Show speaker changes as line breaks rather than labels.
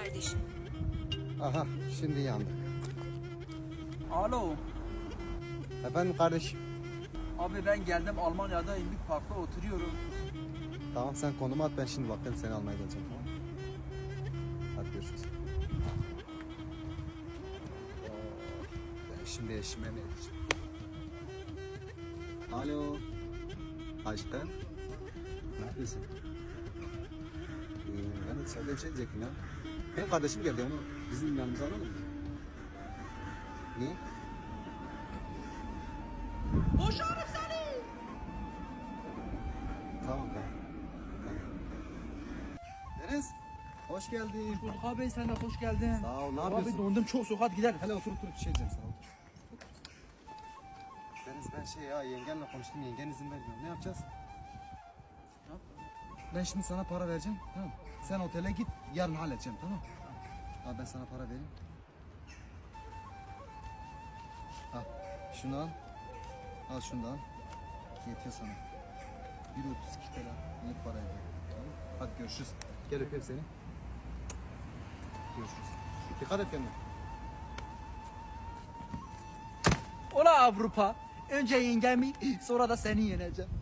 kardeşim.
Aha şimdi yandık.
Alo.
Efendim kardeşim.
Abi ben geldim Almanya'da İmlik Park'ta oturuyorum.
Tamam sen konumu at, ben şimdi baktım seni almaya geleceğim, tamam. Hadi görüşürüz. Ben şimdi eşime ne diyeceğim? Alo. Aşkım. Ne yapıyorsun? Ben de içeride bir şey diyecektim ya. Benim kardeşim geldi, onu bizim yanımıza alalım mı? Niye?
Boşarım seni.
Tamam. Deniz, hoş geldin.
Bulduk abi, sen de hoş geldin.
Sağ ol, ne
Abi
yapıyorsun?
dondum çok soğuk, hadi gidelim.
Hele otur bir şey diyeceğim sana. Otur. Deniz ben yengenle konuştum, yengen izin vermiyor. Ne yapacağız? Ben şimdi sana para vereceğim, tamam mı? Sen otele git, yarın halledeceğim, tamam mı? Al ben sana para vereyim. Al, şunu al. Al şunu da al. Yetiyor sana. 1.32 TL. İyi para ediyor. Tamam. Hadi görüşürüz. Gel öpeyim seni. Görüşürüz. Dikkat et kendine.
Ola Avrupa. Önce yengemi, sonra da seni yeneceğim.